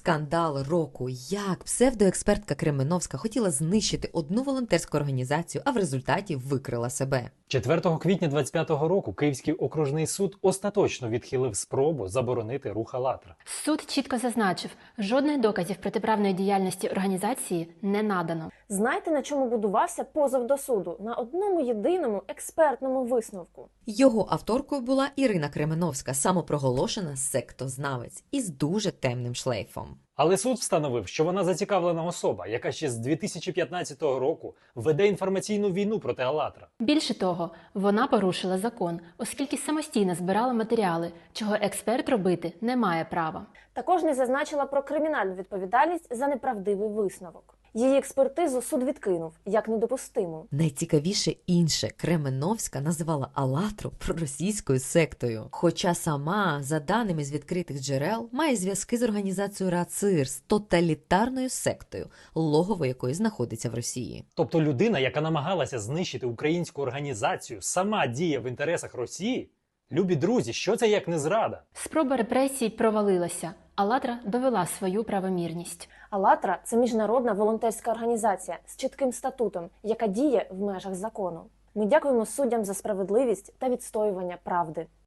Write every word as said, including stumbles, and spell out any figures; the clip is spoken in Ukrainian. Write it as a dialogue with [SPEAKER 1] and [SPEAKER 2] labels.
[SPEAKER 1] Скандал року. Як псевдоекспертка Кременовська хотіла знищити одну волонтерську організацію, а в результаті викрила себе.
[SPEAKER 2] четвертого квітня двадцять п'ятого року Київський окружний суд остаточно відхилив спробу заборонити рух «АЛЛАТРА».
[SPEAKER 3] Суд чітко зазначив, жодних доказів протиправної діяльності організації не надано.
[SPEAKER 4] Знаєте, на чому будувався позов до суду? На одному єдиному експертному висновку.
[SPEAKER 1] Його авторкою була Ірина Кременовська, самопроголошена сектознавець із дуже темним шлейфом.
[SPEAKER 2] Але суд встановив, що вона зацікавлена особа, яка ще з дві тисячі п'ятнадцятого року веде інформаційну війну проти «АЛЛАТРА».
[SPEAKER 3] Більше того, вона порушила закон, оскільки самостійно збирала матеріали, чого експерт робити не має права.
[SPEAKER 4] Також не зазначила про кримінальну відповідальність за неправдивий висновок. Її експертизу суд відкинув, як недопустиму.
[SPEAKER 1] Найцікавіше інше, Кременовська називала «АЛЛАТРу» проросійською сектою. Хоча сама, за даними з відкритих джерел, має зв'язки з організацією РАЦИР, з тоталітарною сектою, логово якої знаходиться в Росії.
[SPEAKER 2] Тобто людина, яка намагалася знищити українську організацію, сама діє в інтересах Росії? Любі друзі, що це як не зрада?
[SPEAKER 3] Спроба репресій провалилася. «АЛЛАТРА» довела свою правомірність.
[SPEAKER 4] «АЛЛАТРА» – це міжнародна волонтерська організація з чітким статутом, яка діє в межах закону. Ми дякуємо суддям за справедливість та відстоювання правди.